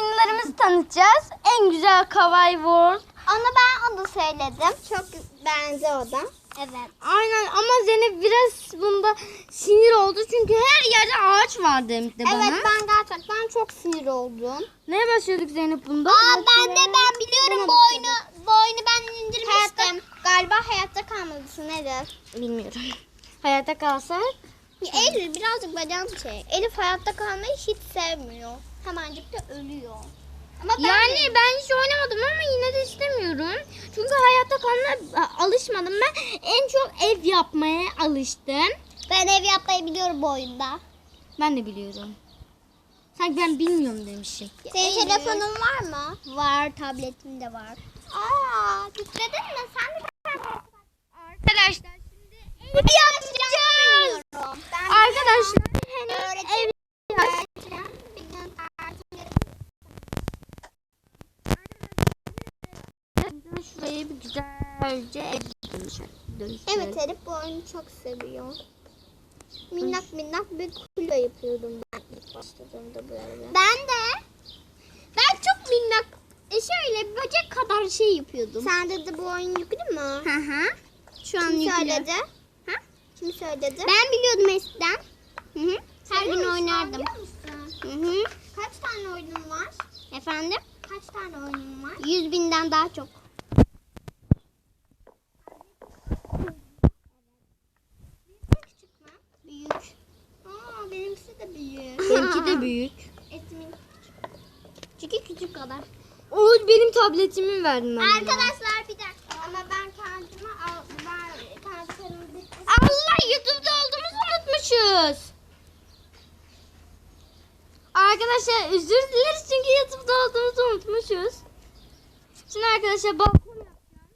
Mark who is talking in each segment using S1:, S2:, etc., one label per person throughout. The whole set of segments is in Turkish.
S1: oyunlarımızı tanıtacağız. En güzel Kawaii World.
S2: Ben onu söyledim. Çok benzer o da. Evet.
S1: Aynen ama Zeynep biraz bunda sinir oldu. Çünkü her yerde ağaç var demişti bana.
S2: Evet, ben gerçekten çok sinir oldum.
S1: Neye başlıyorduk Zeynep bunda?
S2: Ben biliyorum bu oyunu ben indirmiştim. Galiba hayatta kalmalısın, nedir?
S1: Bilmiyorum. Hayatta kalsak.
S2: Eylül birazcık bacağını çek. Elif hayatta kalmayı hiç sevmiyor. Hemencik de ölüyor. Ama
S1: Ben hiç oynamadım ama yine de istemiyorum. Çünkü hayatta kalmaya alışmadım. Ben en çok ev yapmaya alıştım.
S2: ben ev yapmayı biliyorum bu oyunda.
S1: Ben de biliyorum. Sanki ben bilmiyorum demişim.
S2: Senin telefonun var mı? Var, tabletim de var. Yükledin mi? Sen de
S1: Arkadaşlar şimdi ev yapacağız. Arkadaşlar henüz ev şurayı bir güzelce dönüştürelim.
S2: Evet, Elif bu oyunu çok seviyor. Minnak bir kule yapıyordum ben ilk başladığımda böyle. Ben çok minnak şöyle böcek kadar şey yapıyordum. Sende de bu oyun yüklü mü?
S1: Hı. Şu an
S2: Kim
S1: yüklü.
S2: söyledi? Kim söyledi? Ben biliyordum eskiden. Her gün oynardım. Kaç tane oyunun var?
S1: Efendim?
S2: Kaç tane oyunun var? 100.000'den daha çok. Küçük mü? Büyük. Benimkisi de büyük.
S1: Benimki de büyük.
S2: Etimin çünkü küçük kadar.
S1: O benim tabletimi verdim ben.
S2: Arkadaşlar bir dakika ama ben kendime
S1: Allah, YouTube'da olduğumuzu unutmuşuz. Arkadaşlar özür dileriz çünkü YouTube'da olduğumuzu unutmuşuz. Şimdi arkadaşlar balkon yapacağım.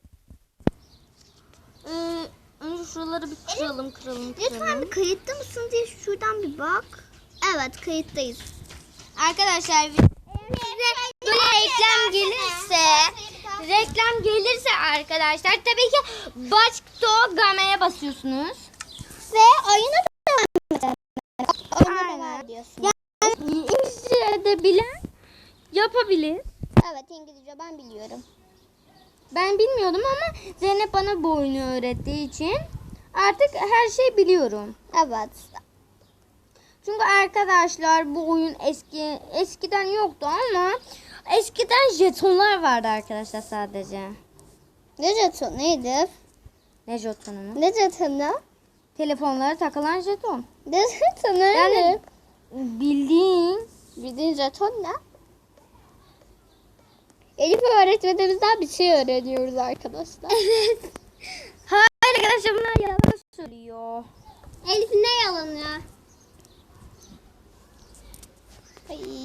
S1: Önce şuraları bir kıralım.
S2: Lütfen bir kayıtta mısın diye şuradan bir bak. Evet, kayıttayız.
S1: Arkadaşlar size böyle reklam gelirse arkadaşlar tabii ki Başto Game'ye basıyorsunuz.
S2: Ve oyunu da diyorsun.
S1: İngilizce de bilen yapabilir.
S2: Evet, İngilizce ben biliyorum.
S1: Ben bilmiyordum ama Zeynep bana bu oyunu öğrettiği için artık her şeyi biliyorum.
S2: Evet.
S1: Çünkü arkadaşlar bu oyun eskiden yoktu ama eskiden jetonlar vardı arkadaşlar sadece.
S2: Ne jeton? Neydi?
S1: Ne jetonu mu?
S2: Ne jetonu?
S1: Telefonlara takılan jeton.
S2: Ne jetonu?
S1: Yani bildiğin
S2: jeton ne? Elif öğretmenimizden bir şey öğreniyoruz arkadaşlar.
S1: Evet. Hayır arkadaşlar bunlar yalan söylüyor.
S2: Elif ne yalanı? Ay.